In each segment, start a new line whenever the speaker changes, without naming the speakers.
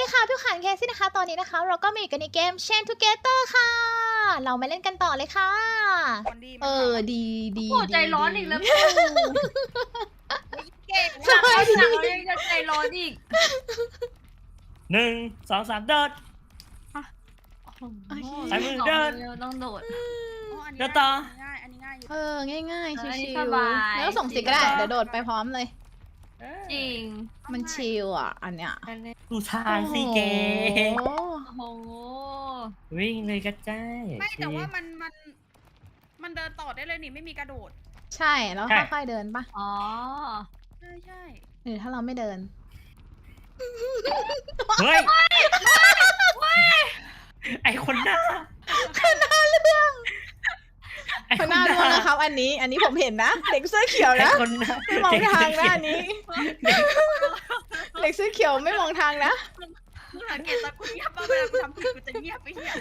ค่ะพี่ขันเคซี่นะคะตอนนี้นะคะเราก็มาอยู่กันในเกม Chain Together ค่ะ เรามาเล่นกันต่อเลยค่ะดีดี
โอ้ใจร้อนอีกแล้วปู่เก่ง
สบายดี
เรายังจะใจร้อนอีก
1 2 3เดิน ใส่มือเดิน
ต้องโดด
เดินต่อ
ง่ายอันนี้ง่ายอยู่
ง่ายๆ
อันนี้
ชิ
ส
ว
บาย
ๆแล้วส่งสิก็ได้เดี๋ยวโดดไปพร้อมเลย
จริง
มันชิลอ่ะอันเนี้ย
ดูทางสิเก
โอ้โห
โอ้โห
วิ่งเลยกระจาย
ไม่แต่ว่ามันเดินต่อได้เลยนี่ไม่มีกระโดด
ใช่แล้วค่อยๆเดินปะ
อ๋อ
ใช่
หรือถ้าเราไม่เดิน
เฮ้ยไอคนหน้า
คนหน้าเรื่อง
ไอ
คนหน้าร่วงนะครับ อันนี้ผมเห็นนะเด็กเสื้อเขียว
ไอ
นะ
คนหน้า
ไม่มองทางนะอันนี้ เด็กเสื้อเขียวไม่มองทางนะ
มึงสังเกตตอนกูเงียบป่ะเวลากูทำผิดกูจะเงียบไปเหี้ย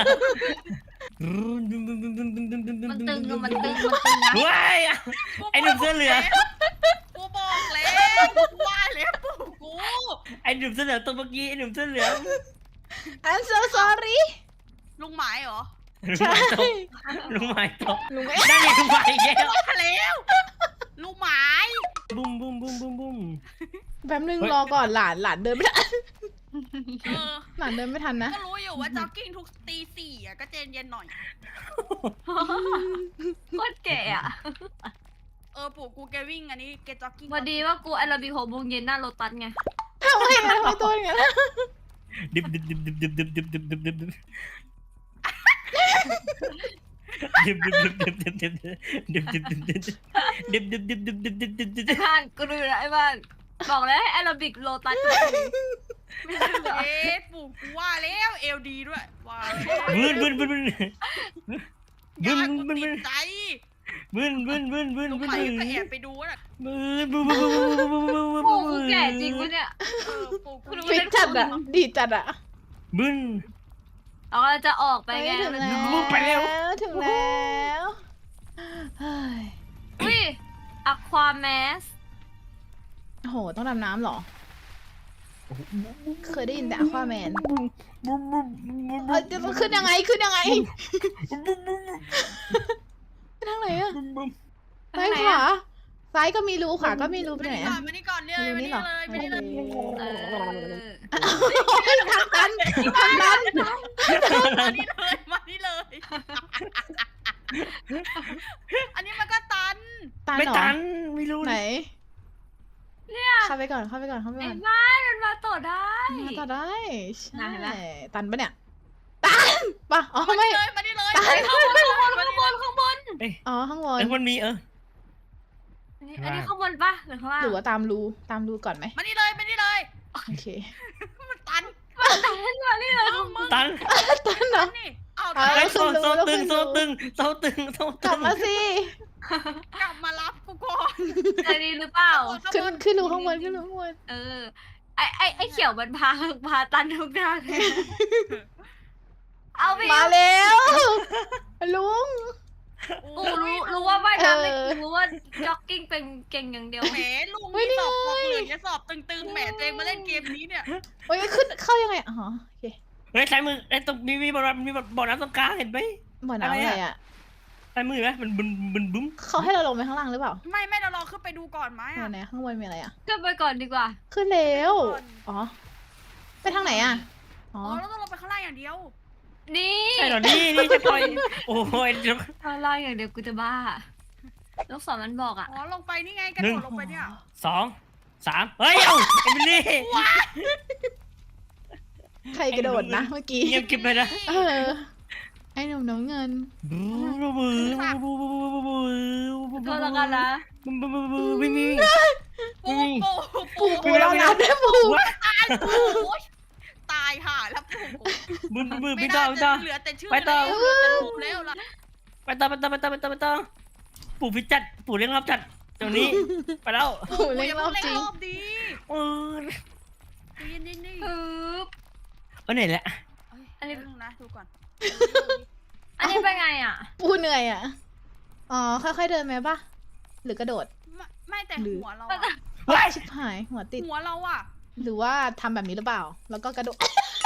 มันตึงอะมันตึงนะ
เฮ้ยไอหนุ่มเสื้อเหลือง
กูบอกแล้วกูว่าแล้วปู่กู
ไอหนุ่มเสื้อเหลืองตัวเมื่อกี้ไอหนุ่มเสื้อเหลือง
I'm so sorry
ลุงหมายเหรอ
ใช่
ลุงหมายตก
ลุงไม่
ได้ไงลุงหมายแก้ว
ว่าแล้วลุงหมาย
บุ้มบุ้มบุ้มบุ้มบุ้ม
แป๊บนึงรอก่อนหลานเดินไม่ทัน
เออ
หลานเดินไม่ทันนะ
ก็รู้อยู่ว่าจ็อกกิ้งทุกตี 4อ่ะก็เจนเย็นหน่อย
โคตรแก่อะ
ปู่กูแกวิ่งอันนี้แกจ็อกกิ้ง
พอดีว่ากูแอโรบิก6 โมงเย็นหน้าโลตัสไง
ทำไมตัวอย่างนั้น
ดิบดิบดิบดิบดิบดิบดิบดิบดิบดิบดิบดิบดิบดิบดิบดิบดิบดิบ
บ้านกูดูนะไอ้บ้านบอกแล้วให้แอโรบิกโลตัสทุกทีไม่ใช่เหรอ
ปู่กูว่าแล้วเอลดีด้วยว่าแล้ว
บึ้นบึ้นบึ้นบึ้น
ยา
บึ้น
กู
บึ้น
ติ
บึ้น
ดใจ
บึ้นบึ้นบึ้นบึ้น
ลุง
บึ้น
หมาย
บึ้น
ก็แอบไปดูน่ะ
บึ้นบึ้นบึ้นบึ้นบึ้นบึ้นบึ้น
โอ้กูแก่จริงปะเนี่ย
ปู่กู
ฟิตจัดอะดีจัดอะ
บึ้น
อ๋อจะออกไปไง
ถึงแล้ว
ไปเร็ว
ถึงแล้วเฮ้ย
อุ้ยอะควาแมส
โอ้โหต้องดำน้ำเหรอ เคยได้ยินแต่อควาแมนจะขึ้นยังไงขึ้นยังไงไปทางไหนอะซ้ายขวาซ้ายก็มีรูขวาก็มีรูไปไหนอะ
มานี่ก่อนเนี่ย
รู
มา
นี่
นี่
เหรอ
เลยมานี่เลย
เออ
ทางตันทางตัน
มานี่เลยมานี่เลย อันนี้มันก็ตัน
ตัน
ไม่
เหรอ
ตันไม่รู้
ไหน
เนี่ย
เข้าไปก่อนเข้าไปก่อนเข้าไป
ไอ้
ก่อน
บ้านมันมาต่อได้
มาต่อได้ใช่
ไหนล่ะ
ตันปะเนี่ยตันปะอ๋อ
มา
ไม่
นี่เลยมานี่เลย
ตัน
ข้างบนข้างบนข้างบน
อ๋อข้างบน
มันมี
อันนี้ข้างบนปะหรือข้างล่าง
หรือว่าตามรูก่อนไหม
มานี่เลยมานี่เลย
โอเค
มันตัน
มานี่เลย
ตัน
ตันเหรอ
นี่เอา
เอา
ไอ้
ขึ้
โซ
นรู
ตึง
แล้ว
โซ
ขึ้นรู
ตึงโซตึงโซ
ก
ตึ
ลับ
ง
มาสิ
กลับมารับกูก่อน
ใจดีหรือเปล่า
ขึ้นรูข้างบนขึ้นรูข้างบน
เออ ไอเขียวมันพาตันทุกทางเลยเอาไป
มาแล้วลุง
กูรู้ว่าว่ายน้ำไม่
เออ
รู้ว่าจ็อกกิ้งเป็นเก่งอย่างเดียว
แหมลุงมีสอบพอกเหลืองจะสอบตึงๆแหมตัวเองมาเล่นเกมนี้เนี่ย
โอ้ยขึ้นเข้ายังไงอ๋อโอเค
เฮ้ยใช้มือไอ้ตรงมีบ่อน้ำมีบ่อน้ำตรงกลางเห็นไหม
บ่อน้ำอะไรอ่ะ
ใช้มือไหมมันบึ้มบึ้มบึ้ม
เขาให้เราลงไปข้างล่างหรือเปล่า
ไม่เราลองขึ้นไปดูก่อนไหม
บ่อ
อ่ะ
ไหนข้างบนมีอะไรอ่ะ
ขึ้นไปก่อนดีกว่า
ขึ้นแล้วอ๋อไปทางไหนอ่ะอ๋
อ๋
อ
อเราต้องลงไปข้างล่างอย่างเดียว
นี่
ใช่เหรอนี่จะปล่อยโอ้ย
ข้างล่างอย่างเดียวกูจะบ้าลูกศรมันบอกอ่ะ
อ๋อลงไปนี่ไงกระโดดลงไปเนี่ย
2 3เฮ้ยเอ้าเอมิลี่
ใครกระโดดนะเมื่อกี้
เงียบกิบไปนะ
เออไอ้หนุ่มน้ำเงิน
ก็แล้วกันนะ
วิ่ง
ปู
ปูเราน้ำได้ปู
ตายปูตายห่าแล้วปู
มือ
ไม่
พี่
น่า
ต่อ
จะเหลือแต่ชื่อแล้วเหลือแต่รูปแล้วล่ะ
ไปต่อปู่พี่จัดปู่เลี้ยงรับจัดตรงนี้ไปแล้ว
ปูเล่นรอบจริง
รอบดี
เออ
นี่
ปึ๊บ
ไหนแหละ
อันนี้นะดูก่อน
อันนี้เป็นไงอ่ะ
ปูเหนื่อยอ่ะอ๋อค่อยๆเดินไหมปะหรือกระโดด
ไม่แต่หัวเรา
ว้ายชิบหายหัวติด
หัวเราอ่ะ
หรือว่าทำแบบนี้หรือเปล่า แล้วก็กระโดด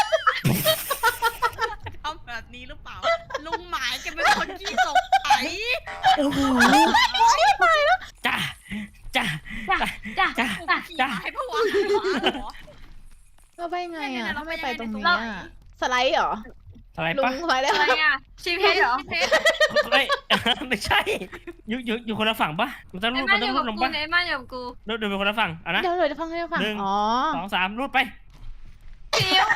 ทำแบบนี้หรือเปล่า ลุงหมายแกเป็นคนขี้ตกไถ
โอ้โหจ้าจ้า
จ้ะ
จ้า
จ้ะ
ขี้
จ้ะ
หมายเพราะว่าเหรอ
เราไปไง
เนี่ย
อ่ะ
เรา
ถ้า
ไป
ไม่ไป
ยังไง
ตรงนี้
ตรง
อ่ะ
ไหน
สไลด์เหรอ
อะไร
ลุ
ปะ
งสไลด์ได้
อะไร
ไหม
อ่ะชีเพชรเหรอ
เพชร
เฮ้ยไม่ใช่ อยู่คนละฝั่งปะมันต้อง
ไอ้
รูด
มั
มัน น
อ
ต้อง
ยู่
รู
กั
ด
บ
ลง
กู
ปะ
ไอ้มันอยู่กับกู
รูดเดินไปคนละฝั่งอ่ะนะ
เดี๋ยวฟังให้ฟัง
หนึ่ง
อ๋อ
2 3รูดไป
พี่อิ๊ว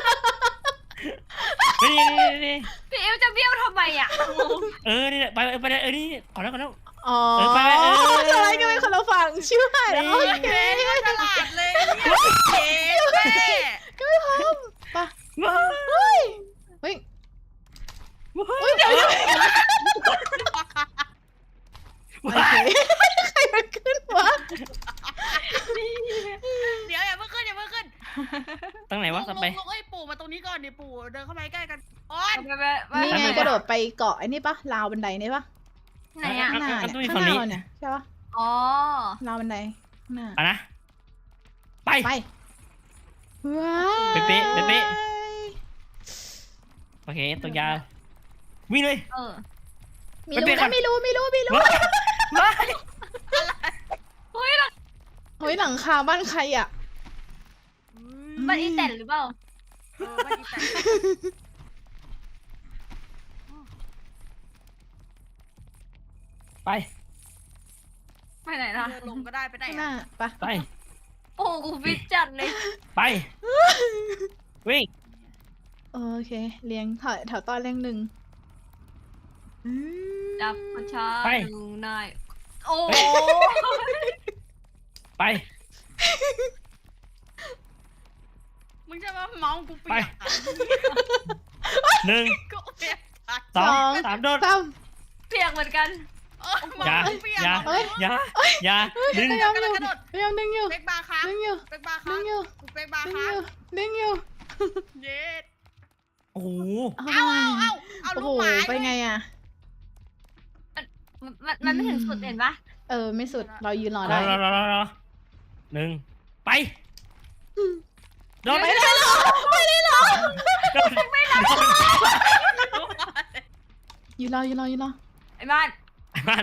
นี่
พี่อิ๊วจะเบี้ยวทำไมอ่ะ
นี่ไปเลยนี่ก่อนแล้ว
อ๋อ
ไปไป
สไลด์กันไปคนละฝั่งชิวหายแล้วโอเค
ฉลาดเลยเนี่ยเจ๊แม่
ปะ
ว้า
เฮ้ยเฮ้ยเดี๋ยวโอเคใครมันขึ้นวะ
เดี๋ยวอย่าเพิ่งขึ้นอย่าเพิ่งขึ้น
ตั้งไหนวะสไป
ลุงเอ้ยปู่มาตรงนี้ก่อนดิปู่เดินเข้ามาใกล้กันโอ๊ย
นี่ไงกระโดดไปเกาะไอ้นี่ปะราวบันไดนี่ปะ
ไหนอ่ะ
ข้างหน้าเนี่ยข้างหน้าเราเนี่ยใช่ปะ
อ๋อ
ราวบันไดข้างหน้า
อ่ะนะไป
ไปว้า
เป๊ะ โอเคตัวยาววิ่งเลย
มีรู้นะไม่รู้
ว้า
เฮ้ยเรา
เฮ้ยหลังคาบ้านใครอ่ะ
บ้านอีแตนหรือเปล่า
ไม่ดีแต่
ไป
ไปไหนล่ะ
เดินลงก็ได้ไปไหน
ข้างหน้าปะ
ไป
โอ้กูฟิตจัดเลย
ไปวิ่ง
โอเคเรียงแถวตอนเรียงหนึ่ง
จับประชาดูนายโอ้
ไป
มึงจะมาเมากูเปียก
1
กูเปียก
2 3โดด
ซ้
เปียกเหมือนกัน
เมา
อย่า
กูเปียก
อย่าดึง
ำพยายามอยู่พยายามดึงอยู่
เป๊กบาร์ค้าง
ดึงอยู่
เป๊กบาร์
ดึ
ค้าง
งอยู่
กูเป๊กบาร์
ดึง
ค้า
อง ยู่ดึงอยู่
เย็ด
โอ้โห
เอา
โอ้
ลู
โห
กหมา
ไปไงอ่ะ
มันไม่ถึงสุดเห็นปะ
ไม่สุดเรายืนรอ
ร
ได้
อ1ไปโดด
ไปได้หรอไปได้หรอ
โดด
ยืนรอ
ไอ้บ้าน
มา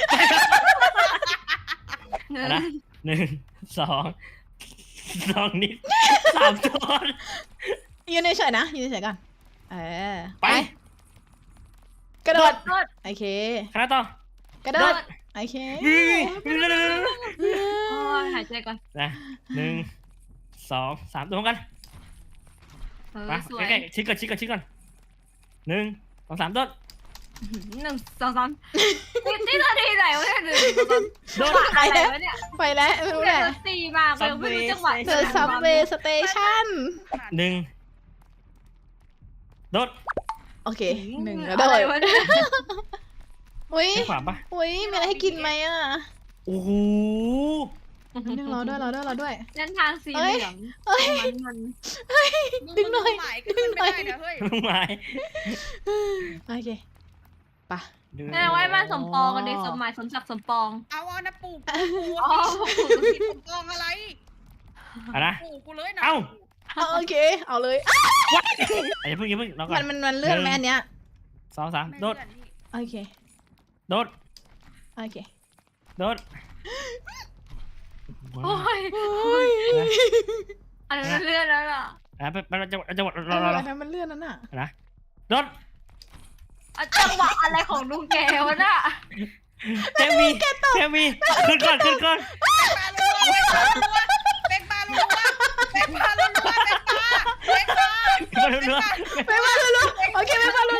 นะ 1 2 นิด 3โดด
ยืนเฉยๆนะยืนเฉยๆก่อนไป
ไป
กระโดด
โดด
โอเค
คณะต่อก
ระโด
โด
ด
ด
โอเค
วิ่ง
โอ้ยหายใจก่อน
นะ1 2 3ตัวกันมา
สวย
ใกล้ๆชิดก่อน1 2 3โดด
1 2 3นี่นาทีไหนวะเนี่ย1 2 3
โดด
อะไรวะเนี่ย
ไปแล้วไม่รู้
เดี๋
แห
ยว
ละ
ตีมาเลยไม่รู้จังหวะ
เจอซับเวย์สเตชัน
1โดด
โอเค1แล้ว
อะ
โด
ไร
ด
วะเนี่ย
อุ้ย
ให้ขวาปะ
อุ้ยมีอะไรให้กินไหมอ่ะ
โอ้โห
นึงรอด้วย
เส้นทางสีเหลือง
เอ้ย
มัน
ดึงหน่อย
หมายก็ขึ้นไม่ได้นะเฮ้ย
ลุงไม้
โอเคปะ
แม่ไว้มาสมปองกันดิสมหมายสมศักดิ์สมปอง
เอานะปู่
อ๋อ
ผิดสมปองอะไร
อะนะ
ปู่กูเลยนะ
เอ้า
โอเคเอาเลย
อย่าเพิ่งเราก่อน
มันเลื่อนไหมอันเนี้ย
2 3โดด
โอเค
โดด
โอเค
โดด
โอ้ย
โอ้ย
อันนั้นเลื่อนแล้วล่ะ
ไปจังหวะรอ
อะไรนะมันเลื่อนนั่นน่ะ
นะโดด
จังหวะอะไรของลุงแกวะน่ะ
เทมีขึ้นก่อน
เป๊กบารัว
ไปมาลุโอเคไปมาลุ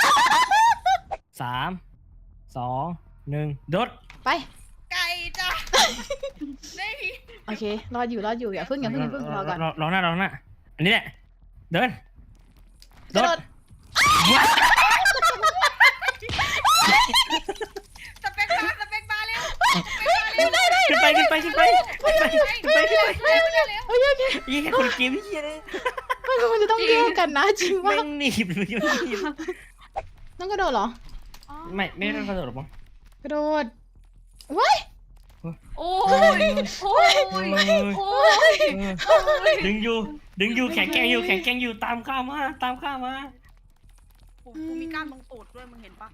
3 2 1โดด
ไป
ไก่จ้ะได้
โอเครออยู่อย่าเพิ่งรอก่อน
รอหน้าอันนี้แหละเดิน
กระโดด
สเปกบาร์เร็ว
ขึ้นไป
โอเค
ยี่แค่คนเกมยี่เลย
มันจะต้องแยกกันนะจริงว่า
แม่งหนีบ
ต้องกระโดดเหรอ
ไม่ต้องกระโดดหรอกมั้ง
กระโดดว้าย
เ
โอ้ยโอ้ยโอ้ยโอ้ย
ดึงอยู่แข็งแกร่งอยู่ตามข้ามา
กูมีกล้ามตรงตูดด้วยมึงเห็นปะ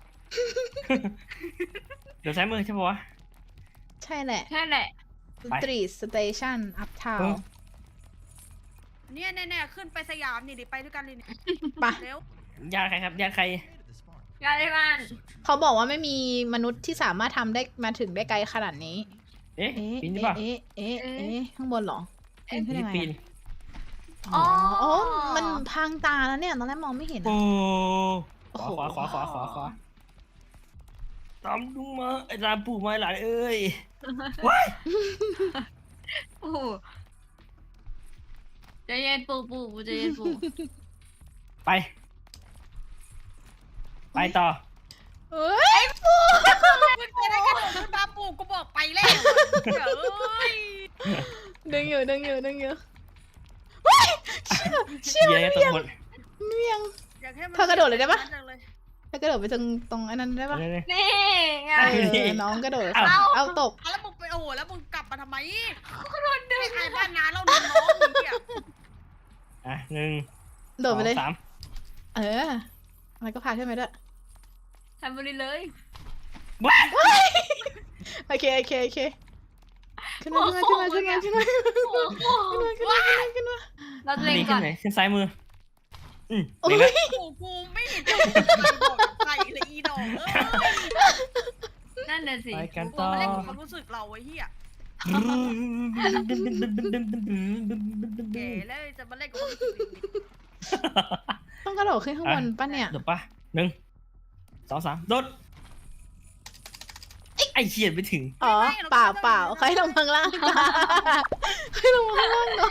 เดี๋ยวซ้ายมือใช่ปะวะ
ใช่แหละ
แค่แหละ
ไป
สตรีทสเตชันอัพทาว
เนี่ยแน่ๆขึ้นไปสยามนี่ดิไปด้วยกันเลยเนี่ย
ปะ
เร็ว
ญาติใครครับญาติใคร
งานอะไรบ้าน
เขาบอกว่าไม่มีมนุษย์ที่สามารถทำได้มาถึงได้ไกลขนาดนี้
เอ๊ะ
เอ๊ะ
ปีนได้ปะ
เอ๊ะเอ๊ะเอ๊ะข้างบนเหรอปีนขึ้นยังไง
ปีน
อะอ๋อโอ้มันพรางตาแล้วเนี่ยตอนแรกมองไม่เห็น
โอ้
อะ
ขวาตามลุงมาไอ้ตามปู่มาหลานเอ้ยว้าย
ปูใจเย็นปูใจเย็นปู
ไปต่อ
เอ้ย
มึงจะได้กระโดดขึ้นมาปู่กูบอกไปแล้วเดี๋ยวเอ้ย
ดึงอยู่เฮ้ยเชี่ย
เย้ตำรวจ
เมี่ยง
อยากให้มัน
เธอกระโดดเลยได้ปะ
จังเลย
แล้วกระโดดไปตรงอันนั้นได้ปะ
นี่ไง
น้องกระโดด
เอ้า
เอาตก
อ่ะแล้วมึงไปโอ้โหแล้วมึงกลับมาทำไมก็โดนดึงใครบ้านนาเราโดนน้องมึงเนี่ย
อ่ะหนึ่ง
โดดไปเลย
สองสาม
เอออะไรก็พาขึ้นไปด้วย
ทำไปเลย
ว้าย
โอเคขึ้นมาขึ้นมา
เราเล็ง
นี่
ก่
ขึ้
อน น
ไหนขึ้นซ้ายมือ
โอ้ย
เล็งแล้ว
กูไม่เห็นจะบอกใครเลยอีดอกเอ้ย
นั่นน่ะสิ
ไปกัน
กู
ต่อ
มาเล่นกับความรู้สึกเราไอ้เหี้ยแก่แล้วจะมาเล่นกับความรู้สึกอีก
ต้องกระโดดขึ้นข้างบนปะเนี่ย
เดี๋ยวปะหนึ่งสองสามโดดไอ้เขียนไปถึง
อ๋อเปล่าเขาให้ลงข้างล่างให้ลงข้างล่างเนาะ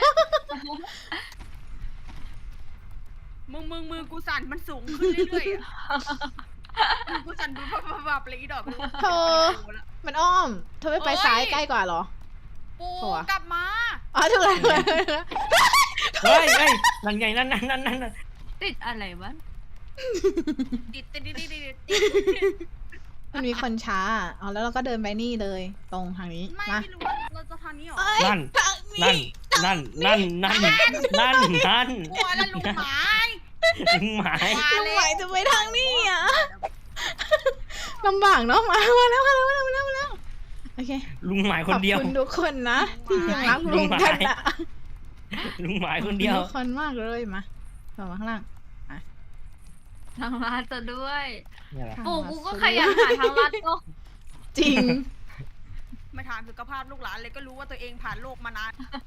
มือกูสั่นมันสูงขึ้นเรื่อยๆอ่ะมือกูสั่นดูแบบเลยอีดอก
เธอมันอ้อมเธอไม่ไปซ้ายใกล้กว่าเหรอ
ปูกลับมา
อ๋อถูกแล้ว
เฮ้ยนั่นไงนั่น
ติดอะไรวะ
ติด
มันมีคนช้าอ๋อแล้วเราก็เดินไปนี่เลย ตรงทางนี้
ไม่
มา
รู้ว่าเราจะทางนี้หรอ
นั่น
กลัวแล้วลุงหมาย
ลุงหมาย
ลุงหมายจะไปทางนี้อ่ะลำบากเนาะมาแล้วโอเค
ลุงหมายค
ขอน บ
เดียว
คุณทุกคนนะที่ยังรักลุงกันอะ
ลุงหมายคนเดียว
ขอบคุณทุกคนมากเลยมาต่อมาข้างล่าง
ทางลัดจะด้วย
นี่แหละ
ปู่กูก็ขยันหาทางลัดก็
จริง
มาถามสุขภาพลูกหลานเลยก็รู้ว่าตัวเองผ่านโลกมานาน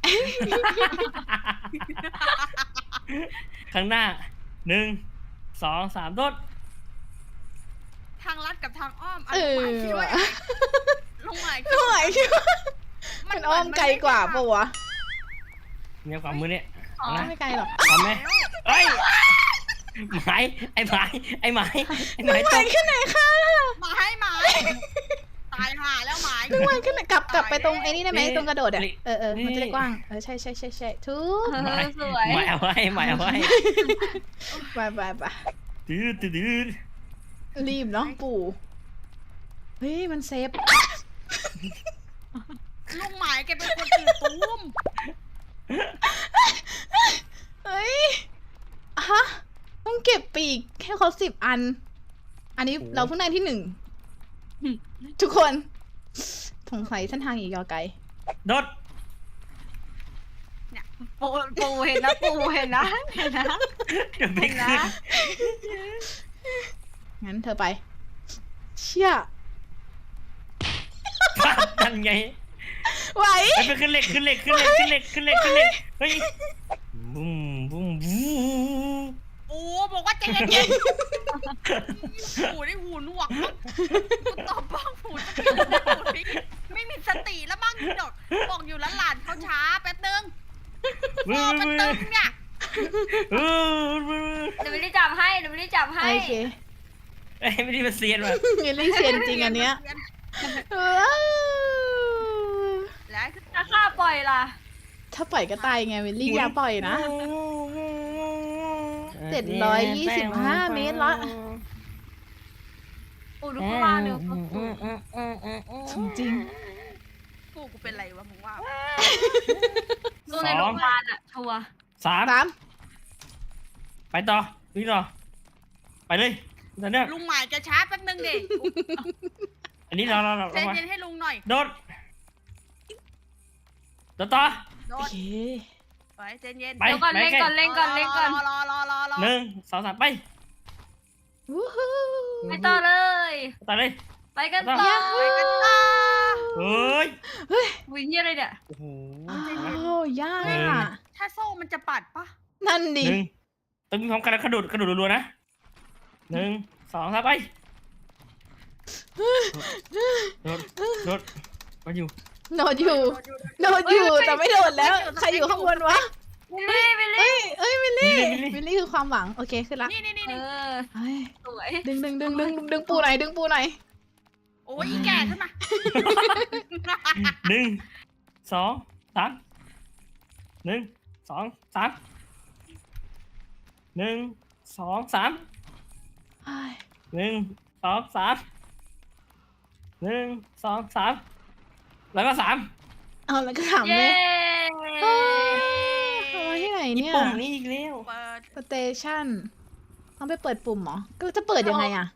ข้างหน้าหนึ่งสองสามโดด
ทางลัดกับทางอ้อม
เออ
คิดว่าลุงหมาย
ลุงหมายคิดว่ามันอ้อมไกลกว่าปะวะ
เนี่ยความมือเนี่ย
อ๋อ
เอานะ
ไม่ไกลหรอก
พร้อมไหมเอ้ยหมายไอ้หมายตก
ขึ้นไหนคะ
หมายตายห่าแล้วหมาย
ลุงหมายขึ้นไหนกลับไปตรงไอ้นี่ได้ไหมตรงกระโดดอ่ะมันจะได้กว้างใช่ทุก
สวย
หมายเอาไว้
ไป
ดื้อ
รีบเนาะปู่เฮ้ยมันเซฟ
ลุงหมายแกเป็นคนตื่นตูม
เฮ้ยฮะต้องเก็บปีกแค่ครบ10 อัน อันนี้เราเพิ่งได้ที่ 1 ทุกคนสงสัยเส้นทางอีกยาวไกล
โดด
ปูเห็นนะปูเห็นนะ
เดี๋ยวไม่
เห็นนะ
ขึ้น
งั้นเธอไป เชี่ย
นั่นไง
ไหว
ไปขึ้นเหล็กเฮ้ยบุ้ม
โอ้บอกว่าใจเย็นๆหูได้หูหนวกกูตอบบ้างหูไม่มีสติแล้วบ้างดอกบอกอยู่แล้วหลานเขาช้าแป๊บนึงพอมันตึงเนี่ย
เดี๋ยวไม่ได้จับให้เดี๋ยวไม่ได้จับให้
โอเค
เอ้ยไม่ได้มาเซียนว่ะ
เงินเล่นเซียนจริงอันเนี้ย
แล้ว
ถ้าข้าปล่อยล่ะ
ถ้าปล่อยก็ตายไงวิลลี่อย่าปล่อยนะ 725 เมตรละ
ปูดูข้างล่างเดี๋ยว
จริง
กกูเป็นไรวะมึงว่า
สู้ในโรงพยาบาลอะชัวร์
3
3
ไปต่อวิ่งต่อไปเลยตอนเนี้ย
ลุงหมายจะช้าแป๊บนึงดิ
อันนี้เรา
ใจเย็นให้ลุงหน่อย
โดดต่อ
โด
โอน เค
ไปใจเย็น
ไป
เดี๋ยวก่อนเล่นก่อนเล่นก่อนเล่นก่อน
รอ
1 2 3ไป
วู้ฮู้
ไปต่อเลย
ต่อเลย
ไปกัน
ต่
ต่
อ
อ
ไปกันต่อ
เฮ้ย
วิ่งเยี่ยอะไรเนี่ย
โอ้โห
อ้าวยาก
หนึ่ง
อ่ะ
ถ้าโซ่มันจะปัดปะ
นั่นดิ
1ต้องมีพร้อมกันแล้วกระโดดรัวๆนะ1 2 3ไปโดดมาอยู่
โดดอยู่โดดอยู่แต่ไม่โดดแล้ว ใครอยู่ข้างบนวะ
วิลลี่วิลลี่
เอ้ยวิลลี่วิลลี่คือความหวังโอเคขึ้นละ
นี่
เออ
เฮ้ย
สวย
ดึงปูหน่อยดึงปูหน่อย
โอ้ยอีแก่ขึ้นมา
1 2 3 1 2 3 1 2 3
เฮ้ย
1 2 3 1 2 3แล้วก็3
เอาแล้วก็ถาม
เย้
เลยเอาไว้ที่ไหนเนี่ย
ปุ่มนี้อีกแล้ว
เปิด
สเตชันต้องไปเปิดปุ่มเหรอก็จะเปิดยังไงอ่ะ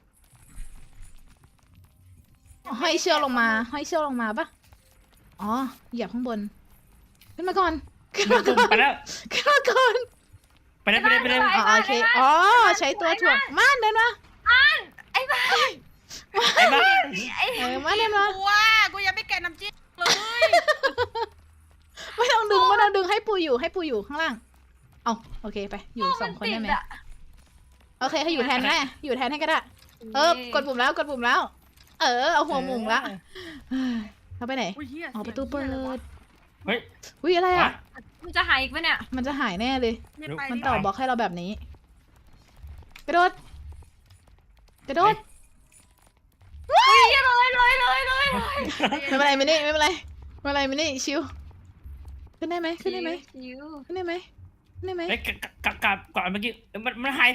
อ๋อห้อยเชือกลงมาห้อยเชือกลงมาปะอ๋อเหยียบข้างบนขึ้นมาก่อนขึ้นมาก่อน
ไปแล้ว
ขึ้นมาก่อน
ไปเลย
อ๋อโอเคอ๋อใช้ตัวถ่วงม่านเดินมา
ไอ้บ้า
ไอ้บ้า
ม่านเดินมา
กูว่ากูยังไม่แกะน้ำจิ้มเลย
ไม่ต้องดึงให้ปูอยู่ข้างล่างเอาโอเคไปอยู่2 คนได้ไหมโอเคให้อยู่แทนได้อยู่แทนให้ก็ได้กดปุ่มแล้วเอาหัวหมุงละเข้าไปไหน
อุ้ยเหี้ย
อ๋อประตูเปิด
เฮ้ย
อุ้ยอะไรอ่ะ
มันจะหายอีกไหมเนี่ย
มันจะหายแน่เลย มันต่อบล็อกให้เราแบบนี้ กระโดด
เฮ้ยเลย
ไม่เป็นไรมินี่ไม่เป็นไรมินี่ชิวขึ้นได้ไหม
ชิว
ขึ้นได้ไหม
เฮ้ยกับก่อนเมื่อกี้มันหาย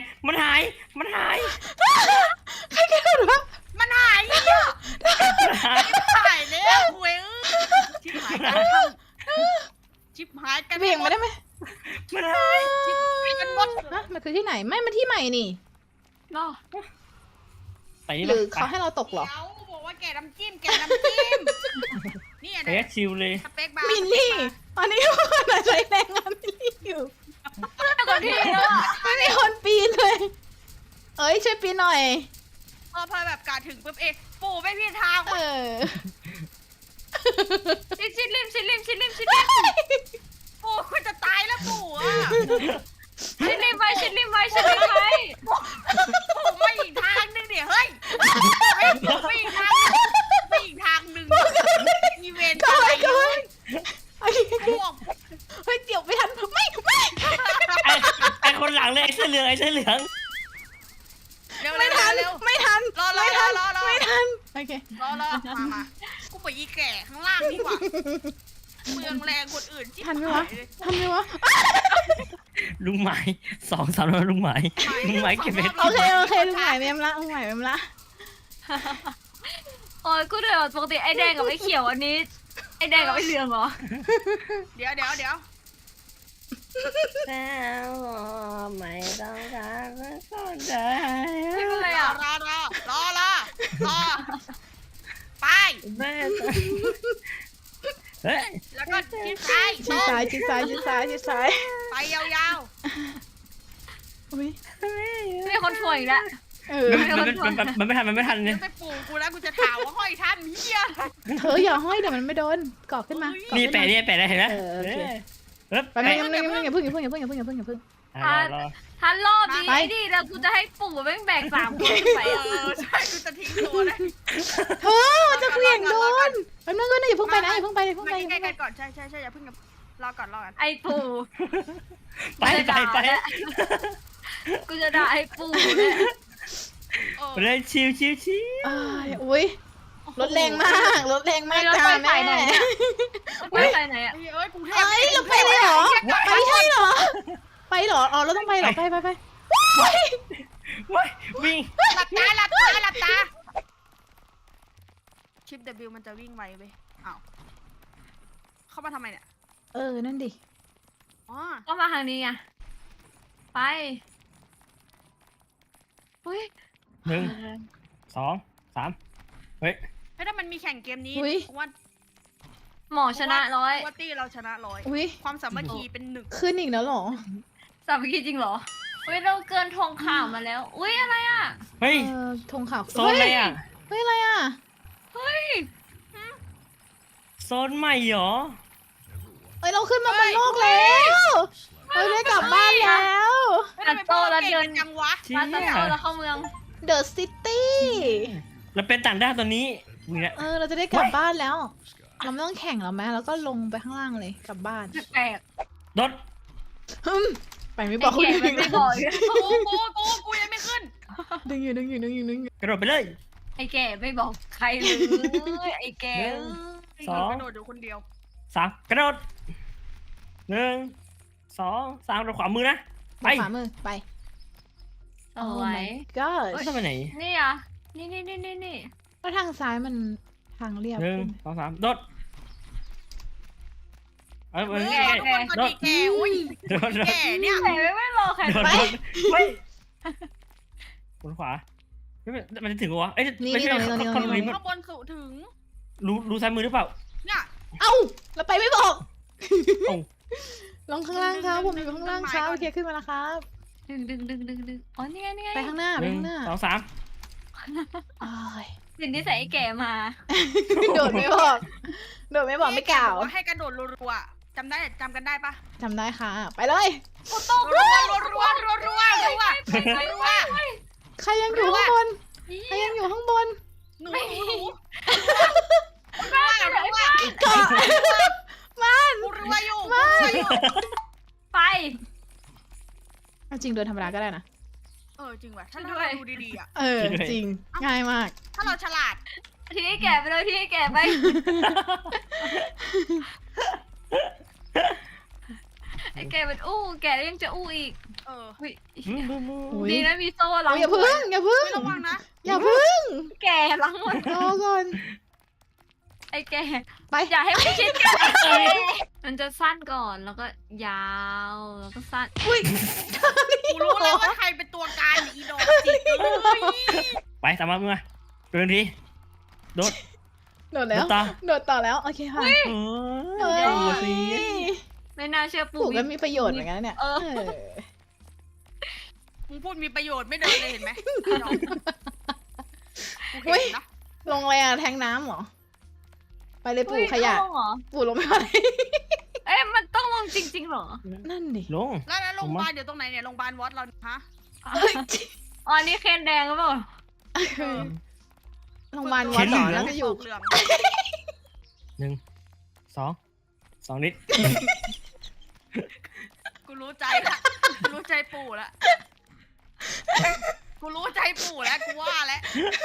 ใครกระโดดวะ
มันหายอ่ะหายแล้วเว้ยชิบหายกัน
เบี่ยงมาได้ไหม
มันหาย
กันหมด
ฮะมันคือที่ไหนไม่มันที่ใหม่นี่
รอ
ไปนี่
หรือเขาให้เราตกเหรอ
เดี๋ยวบอกว่าแกะน้ำจิ้มนี่อัน
เฮ้ย
นี้
ชิวเลย
สเปคบาร์
มินนี่ตอนนี้ทุกคนใช้แรงงานมินนี่อยู่
ก่อนที่แล้วอะ
ไม่มีคนปีนเลย เอ้ยช่วยปีนหน่อย
พอแบบกาถึงปุ๊บปู่ไม่พี่ทาง
เออ
ชิดริม
ปู่คุณจะตายแล้วปู่อ่ะ
ชิดริมไว้
ปู่มาอีกทางนึงเดี๋ยวเฮ้ยปู่ไปอีกทางนึงอีเวนต์อะไร
ก็ไว้
ปู่
เฮ้ยเดี๋ยวไม่ทันไม่
ไอ้คนหลังเลยไอ้เสื้อเหลือง
เร็ว
ไม่ทัน
เร็ว
ไม่ทัน
รอ
ไม่ทันโอเค
มากูไปอีแก่ข้างล่างดีกว่าเมืองแรงคนอื่นจิ๊บ
ทันไหมวะ
ลุงหมาย2 3แล้วลุงหมายเก็บเม็ด
โอเคลุงหมายเมมละ
โอ้ยกูเดือดปกติไอ้แดงกับไอ้เขียวอันนี้ไอ้แดงกับไอ้เหลืองเหรอ
เดี๋ยว
แล้วไม่ต้องการก็ได้
ไม่เป็นไร
รอ
อ่ะ
ไป
เฮ้ย
แล้วก็ชิดซ้าย
ชิดซ้าย
ไปยาว
อุ้ย
มีคนถ่วงอีกแล้ว
มันไม่ทัน
ๆ
เนี่
เดี๋
ย
ยวไปปู่กูแล้วกูจะถามว่าห้อยท่านเฮีย
เธออย่าห้อยเดี๋ยวมันไม่โดนกรอกขึ้นมา
นี่
นี่
แปะได้เห็นไหม
ไปไม่อย่าเพิ่ง
ทันรอบดี
ไป
ดิแล้วกูจะให้ปู่แม่งแบก3 คนขึ้นไปอ่ะ
ใช่กูจะทิ้งตัวเลย
เธอจะเสี่ยงโดนแป๊บนึงก็อย่าเพิ่งไปนะอย่าเพิ่งไป
มาใกล้ๆกันก่อนใช่อย่าเพิ่งรอก่อน
ไอ้ปู่
ไป
กูจะด่าไอ้ปู่เนี่ย
เลยชิว
อุ้ยรถแรงมากจ้าแม่
ไม่ไปไหนอ่ะ
เอ้ยกูเท
เอ้ยเราไปเลยเหรอไปใช่เหรออ๋อเราต้องไปเหรอไป
วิ่ง
หลับตาชิป W มันจะวิ่งไวไปอ้าวเข้ามาทำไมเนี่ย
นั่นดิ
อ๋อ
ก็มาทางนี้ไงไปอุ้ย
1 2 3เฮ้ย
เฮ้ยถ้ามันมีแข่งเกมนี้
อุ๊ย
ว่า
หมอชนะร้อย
ว่าตี้เราชนะ100
อุ้ย
ความสามัคคีเป็นหนึ่ง
ขึ้นอีกแล้วเหรอ
สามัคคีจริงเหรออุ้ยเราเกินธงข่าวมาแล้ว อุ้ยอะไรอ่ะ
เฮ้ย
ธงขาว
โซนอะไรอ่ะ
เฮ้ยอะไรอ่ะ
เฮ้ย
โซนใหม่เหรอ
เราขึ้นมาบนโลกแล้วเราได้กลับบ้านแล้ว
เฮ้ยทำไมพวกเราเก่งกันจังวะ
เชี่ย
มาตัดโซ่แล้วเข้าเมือง
The City
แล้วเป็นต่างด้าวตัวนี้นี่แหละ
เราจะได้กลับบ้านแล้ว เราไม่ต้องแข่งแล้วไหมแล้วก็ลงไปข้างล่างเลยกลับบ้าน
แปลก
รถ
ไปไม่
ๆ
บอก
ไอ้แก่มันไม่บอกอีก
กูยังไม่ขึ้น
ดึงอยู่
กระโดดไปเลย
ไอ้แก่ไม่บอกใครเลยไอ้แก่
สอง
กระโดดอยู่คนเดียว
3กระโดด1 2 3กระโดดขวามือนะ ไป
ขวามือไป
เอาไว้
God
เฮ้ยทำไปไหน
นี่อ่ะนี่
ก็ทางซ้ายมันทางเรียบ
1 2 3โดดเออ
เฮ้ย
ใกล้
ทุกคนก็ดีแกอุ้ย
โดด
แกเนี่ย
แก่ไม่รอใคร
โดด
ไป
เฮ้ยบนขวามันจะถึงวะเอ้ยไม่ใช่ข้างบนนี้
ข้างบนสู่ถึง
รู้ซ้ายมือหรือเปล่า
เนี่ย
เอ้าเราไปไม่บอก
เอ้า
ลงข้างล่างครับผมอยู่ข้างล่างครับโอเคขึ้นมาแล้วครับ
ดึงอ๋อนี่ไง
ไปข้างหน้าไป
1
ข้างหน้า
2 3
อ้าย
สิ่งที่ใส่ไอ้แก่มา
โดดไม่บอกไม่กล่าว
ให้กระโดดรัวๆจำกันได้ปะ
จำได้ค่ะ ไปเลย
รัว
ใครยังอยู่ข้างบนใครยังอยู่ข้างบน
หนู
เกาะมัน
กูรัวอยู่
ไป
เอาจริงเดินธรรมดาก็ได้นะ
จริงว่ะถ้าเราดูดีๆอ่ะ
จริงง่ายมาก
ถ้าเราฉลาด
ทีนี้แก่ไปเลยทีนี้แก่ไปไอ้แก่เป็นแก่แล้วยังจะอีก อุ้ยดีนะมีโซ่ล้าง
อย่าพึ่ง
ไม่ระวังนะ
อย่าพึ่ง
แก่ล้างหมด
รอก่อน
ไอ้แก่
ไป
อย่าให้มันชิดกันมันจะสั้นก่อนแล้วก็ยาวแล้วก็สั้น
อุ้ย
กูรู้แล้วว่าใครเป็นตัวการอีดอกจิกเลย
ไปตามมาเมื่อเป็นทีโดด
โดดแล้ว โดดต่อแล้วโอเคค่ะ
เฮ้ยสิ
ไม่น่าเชื่อ
ปลูกก็มีประโยชน์เหมือนกันเนี่ย
มึงพูดมีประโยชน์ไม่เดินเลยเห็นไหมกูเห็นนะ
ลงอะไรอะแทงน้ำเหรอ ไปเลยปลูกขยะ
เหรอ
ปลูกลงไม่ไหว
มันต้องลงจริงๆเหรอ
นั่นดิ
ลง
แล้วโรงพยาบาลเดี๋ยวตรงไหนเนี่ยโรงพยาบาลวัดเราฮะ
อ๋อนี่เคนแดงหรือเปล่า
โรงพยาบาลวัดเหรอแล้วก็อยู่
เหลือง
2 นิด
กูรู้ใจละกูรู้ใจปู่ละกูรู้ใจปู่แล้วกูว่าแล้ว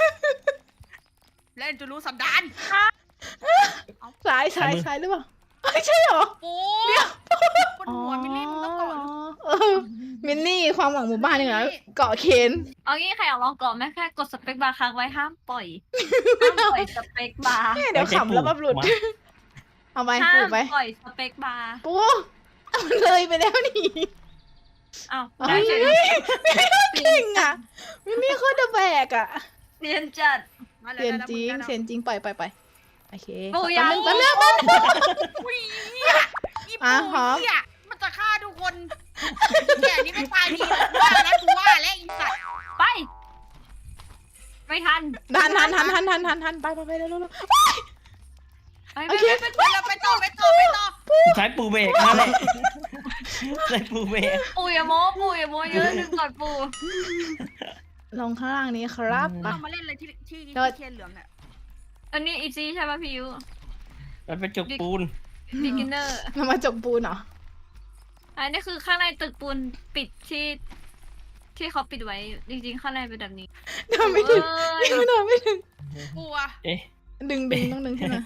เล่นจะรู้สันดาน
ซ้ายหรือเปล่าไม่ใช่เหรอ
ปู่บนหัวมิลลี่มึงต้องกอด
มินนี่ความหวังหมู่บ้านนี่เหรอเกาะเคน
เอางี้ใครอยากลองก่อนไหมแค่กดสเปคบาร์ค้างไว้ห้ามปล่อยสเปคบาร์
เดี๋ยวขำแล้วแบบหลุด เอาไป
ห้า
ปลู
ม
กไป
ปล่อยสเปคบาร์
ปูเอาเลยไปแล้วนี่
อ้าว
เฮ้ยเก่งอ่ะมินนี่โคตรจะแบกอ่ะ
เรียนจัด
เสียนจริงไปโอเค
ปูยาว
มันเรื่องมัน
อุ้ยอีปู่เนี่ยมันจะฆ่าทุกคนแกนี่ไม่ตายดีว่าแล้วกูว่าแล้วอีสัตว์
ไป ไม่ทัน
ทันไปเร็ว โอเค
ไปต่อ
ใช้ปูเบรกนั่นแหละใช้ปูเบรก
ปูอย่าโม้เยอะดึงก่อนปู
ลงข้างล่างนี้ครับไป
เรามาเล่นอะไรที่เทียนเหลืองอ่ะ
อันนี้อีซีใช่ป่ะพี่ยู
มันเป็นจุกปูน
beginner
เรามาจบปูนเหรอ
อันนี้คือข้างในตึกปูนปิดที่เขาปิดไว้จริงๆข้างในเป็นแบบนี้
เดินไม่ถึง
เอ้ย
เดินไม่ถึง
กลัว
เอ๊ะ
ดึงต้องดึงขึ้นมา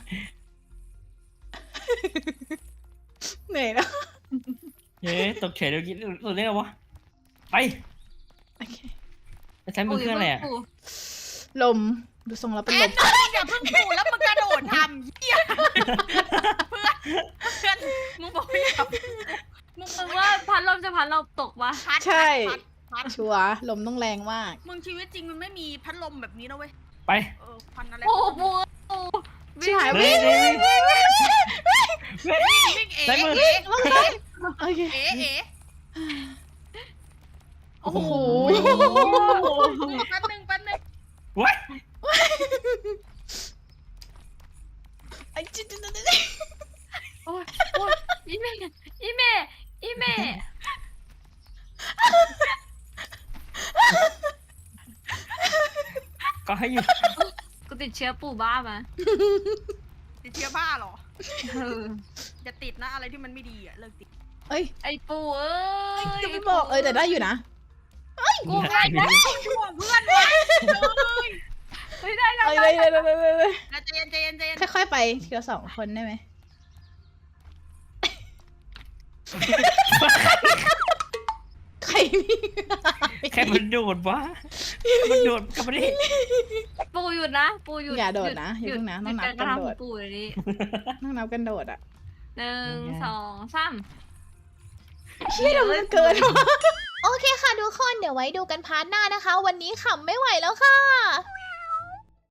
เหนื่อยแล้ว
เอ๊ะตกเฉยเดี๋ยวกินตัวนี้ไงวะไป
โอเค
ใช้มือเครื่องอะไรอ่ะ
ปู
ลมดูทรงแล้วเป็น
แอ
ล
น
ม
อย่าเพิ่งพูดแล้วมึงกระโดดทำเหี้ยเพื่อนมึงบอกว่าอย่ามึง
มึงว่าพัดลมจะพัดลมตกปะ
พัด
ใช่
พัด
ชัวร์ลมต้องแรงมาก
มึงชีวิตจริงมันไม่มีพัดลมแบบนี้นะเว้ย
ไป
พันอะไร
โอ้ปูปู
ชิบหาย
เฮ้ย
วิ่ง
เฮ้ย
วิ่งเอ๋
ได้มือ
เอ๋
ลงเลยโอเค
เอ๋เอ๋
โอ้โห
แป๊บนึง
ว้าย
ไอ้จิ๊ด
โอ้ยโอ้ยอีเม่อีเม่อีเม่
ก็ให้อยู่
กูติดเชื้อปูบ้ามา
ติดเชื้อบ้าเหรอ
เออ
อย่าติดนะอะไรที่มันไม่ดีอะเลิกติด
เอ้ย
ไอปูเอ้ย
จะไม่บอกแต่ได้อยู่นะ
กูไม่ได้
ช่วงเพื่อนไว้เลย
ไม่ได้
เอ้ยเลย
แล้วใจเย็นใจเย็นใจเย็น
ค่อยๆไปทีละ2 คนได้ไหมใครนี่
แค่มันโดดวะมันโดดกลับมาดิ
ปูหยุดนะปูหยุด
อย่าโดดนะอย่าเพิ่งนะต้องนับ
หยุ
กัน
การ
โด
กระ
ด
ทำของปูเลยนี่
ต้องนับกันโดดอ่ะ
1 2 3
เชี่ยมันเกินโอเคค่ะทุกคนเดี๋ยวไว้ดูกันพาร์ทหน้านะคะ วันนี้ขำไม่ไหวแล้วค่ะ